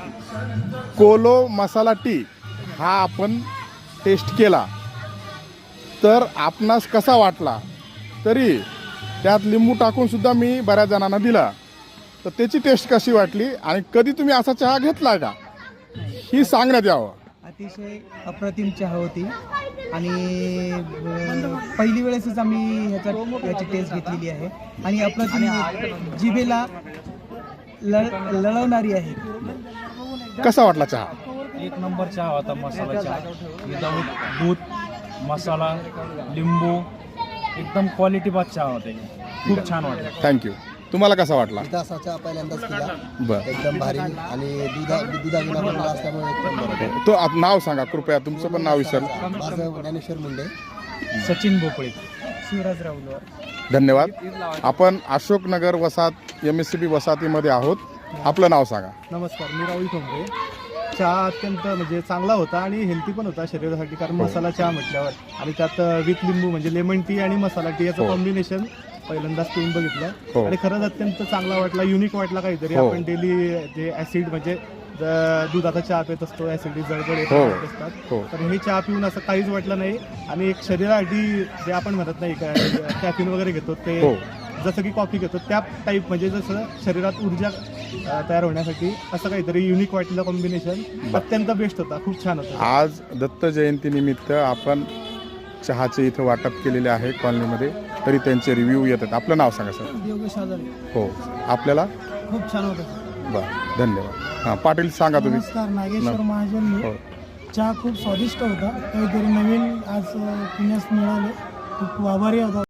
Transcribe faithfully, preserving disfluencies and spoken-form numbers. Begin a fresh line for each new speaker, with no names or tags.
कोलो मसाला टी हा आपण टेस्ट केला तर आपणास कसा वाटला, तरी त्यात लिंबू टाकून सुद्धा मी बऱ्याच जणांना दिला, तर त्याची टेस्ट कशी वाटली आणि कधी तुम्ही असा चहा घेतला का ही सांगण्यात यावं.
अतिशय अप्रतिम चहा होती आणि अ, पहिली वेळेसच आम्ही ह्याचा याची टेस्ट घेतलेली आहे आणि अप्रतिम जिभेला लळ लढवणारी आहे.
कसा वाटला चहा?
एक नंबर चहा होता. मसाला चहा विदाऊट दूध, मसाला, लिंबू, एकदम क्वालिटी बात चहा होते. खूप छान वाटलं.
थँक्यू. तुम्हाला कसा वाटला?
दुधाचा चहा पहिल्यांदाच केला,
बरं,
एकदम भारी आणि दुधा दुधाविना बनवला असल्यामुळे एकदम बरं.
तो आप नाव सांगा कृपया, तुमचं पण नाव विसरलं.
माझं ज्ञानेश्वर मुंडे.
सचिन भोपळे.
शिवराज राहुल.
धन्यवाद. आपण अशोकनगर वसाहत एम एस सी बी वसाहतीमध्ये आहोत. आपलं नाव सांगा.
नमस्कार, मी राहुल ठोंबरे. चहा अत्यंत म्हणजे चांगला होता आणि हेल्थी पण होता शरीरासाठी, कारण मसाला चहा म्हटल्यावर आणि त्यात विथ लिंबू म्हणजे लेमन टी आणि मसाला टी याचं
हो.
कॉम्बिनेशन पहिल्यांदाच पिऊन
हो.
बघितलं आणि खरंच अत्यंत चांगला वाटला, युनिक वाटला काहीतरी.
हो.
आपण डेली जे ॲसिड म्हणजे ज- दुधाचा चहा पित असतो, ॲसिडी जळजळ येत
हो.
असतात,
हो.
तर हे चहा पिऊन असं काहीच वाटलं नाही. आणि एक शरीरासाठी जे आपण म्हणत नाही का कॅफिन वगैरे घेतो ते,
हो.
जसं की कॉफी घेतो त्या टाईप, म्हणजे जसं शरीरात ऊर्जा अ, तयार होण्यासाठी असं काहीतरी युनिक वाटलेलं कॉम्बिनेशन अत्यंत बेस्ट होता. खूप छान होता.
आज दत्त जयंतीनिमित्त आपण चहाचे इथं वाटप केलेले आहे कॉलनीमध्ये, तरी त्यांचे रिव्ह्यू येतात. आपलं नाव सांगा सर.
योगेश आजारी.
हो, आपल्याला
खूप छान होतं.
बरं, धन्यवाद. हां, पाटील सांगा तुम्ही.
नमस्कार, नागेश्वर महाजन मी.
हो.
चहा खूप स्वादिष्ट होता, काहीतरी नवीन आज अ, पिण्यास मिळाले. खूप आभारी होता.